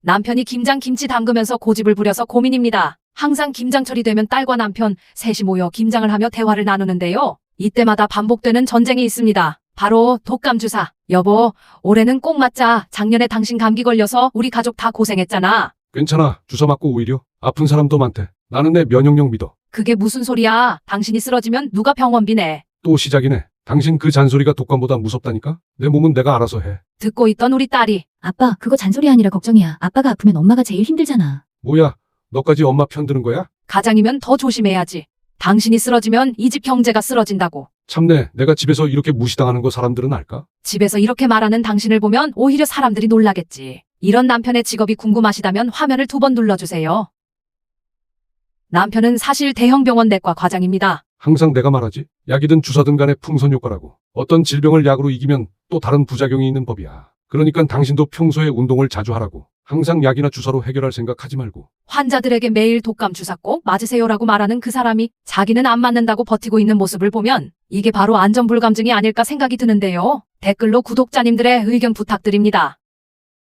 남편이 김장 김치 담그면서 고집을 부려서 고민입니다. 항상 김장철이 되면 딸과 남편 셋이 모여 김장을 하며 대화를 나누는데요. 이때마다 반복되는 전쟁이 있습니다. 바로 독감 주사. 여보, 올해는 꼭 맞자. 작년에 당신 감기 걸려서 우리 가족 다 고생했잖아. 괜찮아. 주사 맞고 오히려 아픈 사람도 많대. 나는 내 면역력 믿어. 그게 무슨 소리야? 당신이 쓰러지면 누가 병원비 내? 또 시작이네. 당신 그 잔소리가 독감보다 무섭다니까? 내 몸은 내가 알아서 해. 듣고 있던 우리 딸이 아빠, 그거 잔소리 아니라 걱정이야. 아빠가 아프면 엄마가 제일 힘들잖아. 뭐야? 너까지 엄마 편 드는 거야? 가장이면 더 조심해야지. 당신이 쓰러지면 이 집 경제가 쓰러진다고. 참내. 내가 집에서 이렇게 무시당하는 거 사람들은 알까? 집에서 이렇게 말하는 당신을 보면 오히려 사람들이 놀라겠지. 이런 남편의 직업이 궁금하시다면 화면을 2번 눌러주세요. 남편은 사실 대형병원 내과 과장입니다. 항상 내가 말하지. 약이든 주사든 간에 풍선 효과라고. 어떤 질병을 약으로 이기면 또 다른 부작용이 있는 법이야. 그러니까 당신도 평소에 운동을 자주 하라고. 항상 약이나 주사로 해결할 생각 하지 말고. 환자들에게 매일 독감 주사 꼭 맞으세요라고 말하는 그 사람이 자기는 안 맞는다고 버티고 있는 모습을 보면 이게 바로 안전불감증이 아닐까 생각이 드는데요. 댓글로 구독자님들의 의견 부탁드립니다.